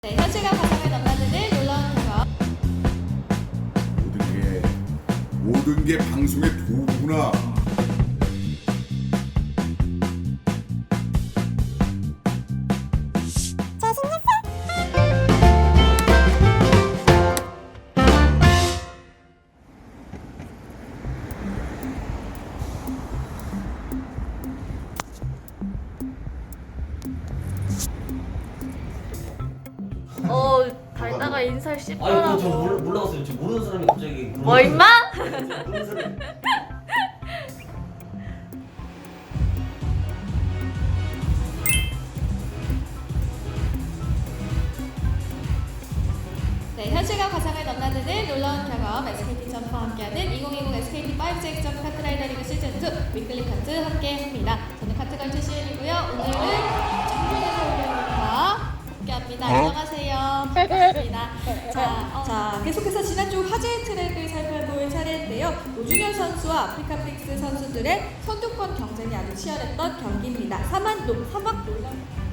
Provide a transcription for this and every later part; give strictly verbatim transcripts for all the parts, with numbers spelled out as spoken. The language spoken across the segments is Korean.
네, 현실과 가상을 넘나드는 놀라운 경험. 모든 게 모든 게 방송의 도구구나. 어, 달다가 인사를 아니 그거 저 몰라, 씹더라고. 몰라갔어요. 저 모르는 사람이 갑자기 그런 뭐 임마? 모르는 사람이 네, 현실과 가상을 넘나드는 놀라운 경험 에스케이티 점프와 함께하는 이천이십 에스케이티 파이브 점프 카트라이더 리그 시즌 이 위클리 카트 함께합니다. 저는 카트걸 출신이고요. 오늘은 정민의 올려놓과 함께합니다. 안녕하세요. 반갑습니다. 자, 어, 자, 계속해서 지난주 화제의 트랙을 살펴볼 차례인데요. 노준현 선수와 아프리카 프릭스 선수들의 선두권 경쟁이 아주 치열했던 경기입니다. 사만도, 사막 놀라운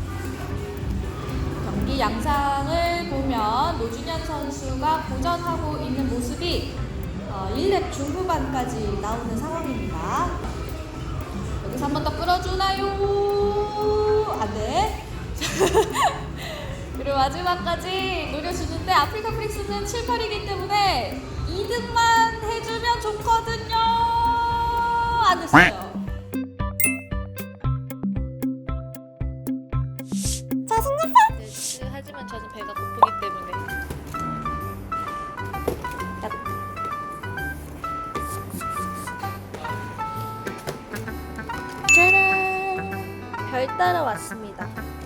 경기 양상을 보면 노준현 선수가 고전하고 있는 모습이 어, 일 렙 중후반까지 나오는 상황입니다. 여기서 한 번 더 끌어주나요? 안 돼. 그리고 마지막까지 노려주는데 아프리카 프릭스는 칠, 팔이기 때문에 이 등만 해주면 좋거든요. 안 됐어요. 네, 하지만 저는 배가 고프기 때문에 짜란! 별 따러 왔습니다.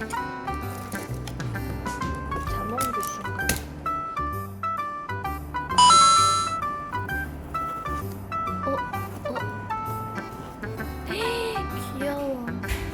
자몽도 순간. 어? 어? 귀여워.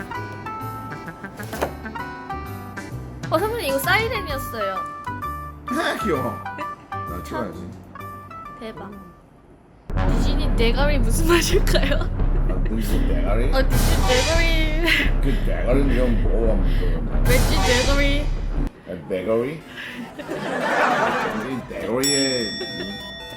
어, 선배님 이거 사이렌이었어요. 귀여워. 나 찍어야지. 대박. 디즈니 대가리 무슨 맛일까요? 아, 무슨 대가리? 어, 디즈니 대가리. 그 대가리는 좀 먹어보면 왠지 대가리. 돼. 대가리? 이 대가리의 이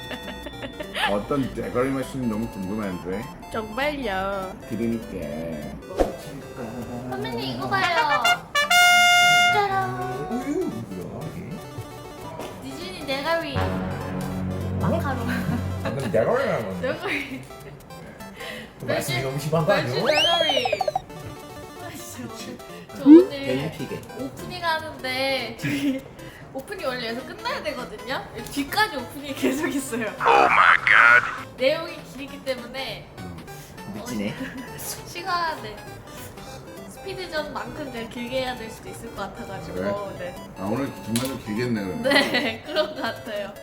어떤 대가리 맛이 너무 궁금한데. 정말요. 드릴게. 선배님 이거 봐요. 짜란. 어유 뭐야 이게? 디즈니 대가리. 마카롱. 아, 근데 대가리라는 건데. 대가리. 말씀이 너무 심한 거 왠지 아니에요? 대가리. 아, 진짜. 저 오늘 개인피게 오프닝 하는데 저희 오프닝 원래 여기서 끝나야 되거든요. 뒤까지 오프닝이 계속 있어요. 내용이 길기 때문에 미치네. 시간에 스피드전만큼 내가 길게 해야 될 수도 있을 것 같아가지고 그래? 네, 아 오늘 정말 좀 길겠네 그러면. 네 그런 것 같아요.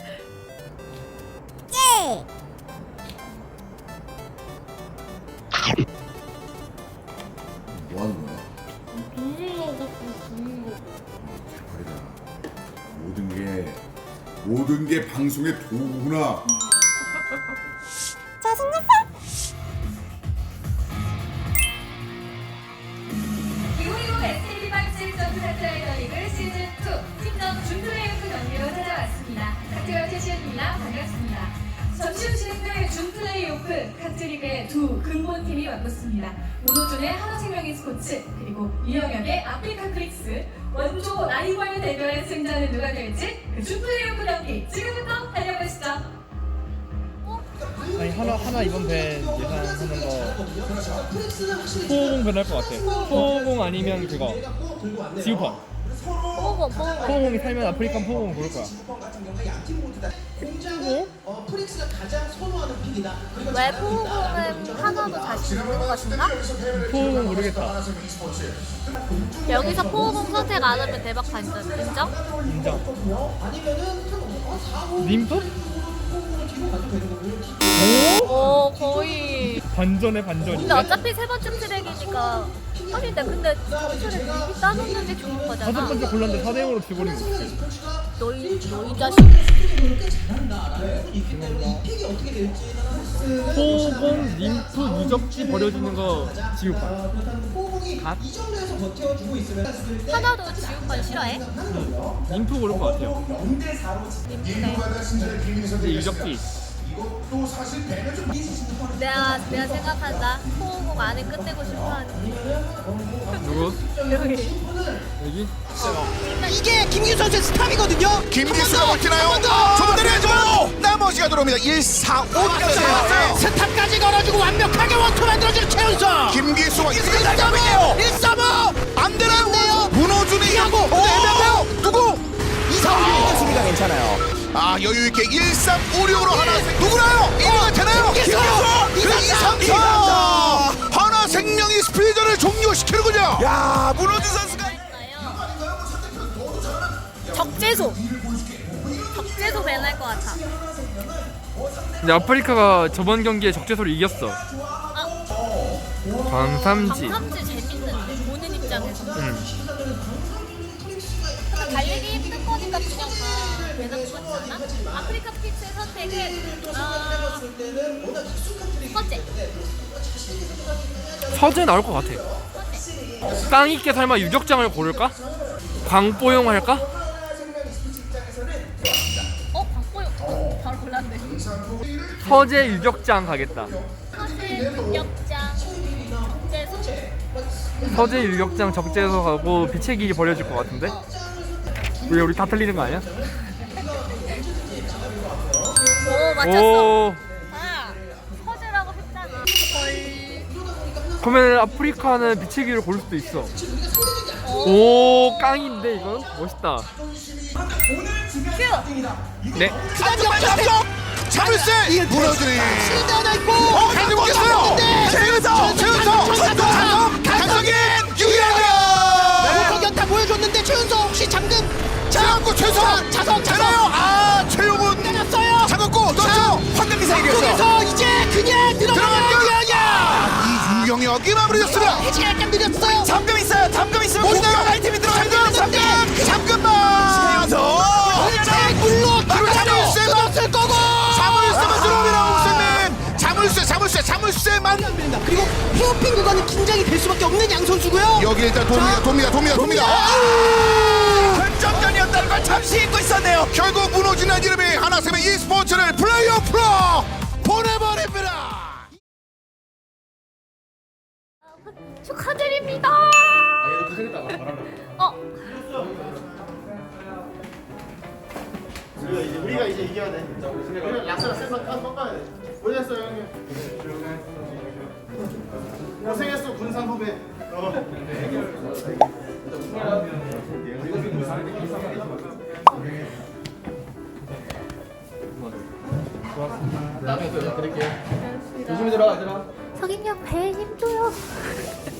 뭐 하는 거야? 눈물 나고 눈물. 대박이다. 모든 게 모든 게 방송의 도구구나. 이천이십 에스케이티 파이브 점프 카트라이더 리그 시즌 이 팀전 준플레이오프 경기로 찾아왔습니다. 카트걸 최시현입니다. 반갑습니다. 잠시 후 진행될 준플레이오프 카트리그의 두 근본팀이 맞붙습니다. 문호준의 하나생명 e스포츠 그리고 이영혁의 아프리카 프릭스 원조 라이벌 대결의 승자는 누가 될지 그 준플레이오프 경기 지금부터 달려보시죠. 아니 하나 하나 이번 배 예상하는 거 포옹 변할 것 같아. 포옹 아니면 그거 지우펀. 보고 보고 포옹이 살면 아프리칸 포옹 고를 거야. 왜? 왜 포옹은 하나도 자신 있는 것 같은가? 포옹은 모르겠다. 여기서 포옹 선택 안 하면 대박 반전 인정? 인정. 림프? 오 거의 반전의 근데 반전인데. 어차피 세 번째 트랙이니까 아닌데 근데 점수를 미리 따놓는 게 좋은 다섯 거잖아. 번째 골랐는데 사 대 영으로 지버리면 어떡해. 너희 너희 자식. 호공, 림프, 유적지 버려지는 거 지우파. 갓? 하나도 지우판 싫어해? 림프 고를 것 같아요. 림프네. 이제 유적지. 내가 내가 생각한다. 호흡 안에 끝내고 싶어하는 누구? 여기. 여기? 이게 김기수 선수의 스탑이거든요. 김기수가 버티나요? 좀 내려야죠. 나머지가 들어옵니다. 일, 사, 오까지. 스탑까지 걸어주고 완벽하게 원투 만들어주는 최은성. 김기수가 일, 삼, 오이에요. 일, 삼, 오. 안 되나요? 문호준이 이하고 애매해요. 누구? 이상훈이 있습니다. 괜찮아요. 아 여유 있게 일, 삼, 오, 육으로 하나 누구나요? 일 위가 되나요? 김기수! 그래 이상사! 이상사 하나 생명이 스피드를 종료시키는군요. 야 문호준 선수가 적재소. 적재소 배날 것 같아. 근데 아프리카가 저번 경기에 적재소를 이겼어. 아, 광삼지. 방탐지 재밌는데 보는 입장에서. 응. 근데 달리기 힘든 거니까 그냥 다 배나는 거지 않나? 아프리카 픽스의 선택은 아, 서재. 서재 나올 것 같아. 서재. 땅 있게 설마 유적장을 고를까? 광뽀용 할까? 어, 박보영. 어, 바로 골랐네. 서재 유적장 가겠다. 서재 육역장 적재소. 서재 유적장 적재소 가고 빛의 길이 버려질 것 같은데? 왜 우리 다 틀리는 거 아니야? 오, 맞췄어. 오. 아, 서재라고 했잖아. 헐. 그러면 아프리카는 빛의 길을 고를 수도 있어. 오, 깡인데 이건 멋있다. 큐. 네. 자물쇠 문호준이 실드 하나 있고. 어 가지고 오겠어요. 최은성 최은성 최은성 강성인 유일하게 고격타 보여줬는데 최은성 혹시 잠금 잡고 최은성 자석 자석 아 최용훈 때렸어요. 잡았고 넣었죠. 황금기사 이겼어. 쪽에서 이제 그냥 들어가는 거야. 이유경혁이 마무리됐습니다. 해지가 약간 느렸어요. 잠금 있어요. 잠금 있으면 공격 아이템이 들어갑니다. 잠금 잠금만 살짝 물로 자물쇠 끊었을 거고. 자물쇠만 들어옵니다. 옥선님 자물쇠 자물쇠 자물쇠만 그리고 헤어핀 구간은 긴장이 될 수밖에 없는 양 선수고요. 여기 일단 돕니다 돕니다 돕니다 돕니다. 결정전이었다는 걸 잠시 잊고 있었네요. 결국 무너지는 이름이 하나쌤의 e스포츠를 플레이오프로 보내버립니다. 축하드립니다. 어, 우리가 이제 이겨야 돼. 우리가 약속을 세서 꺾어야 돼. 고생했어 형님. 고생했어 군산 후배. 나중에 또 연락드릴게요. 조심히 들어가 얘들아. 석인이 형 배에 힘줘요.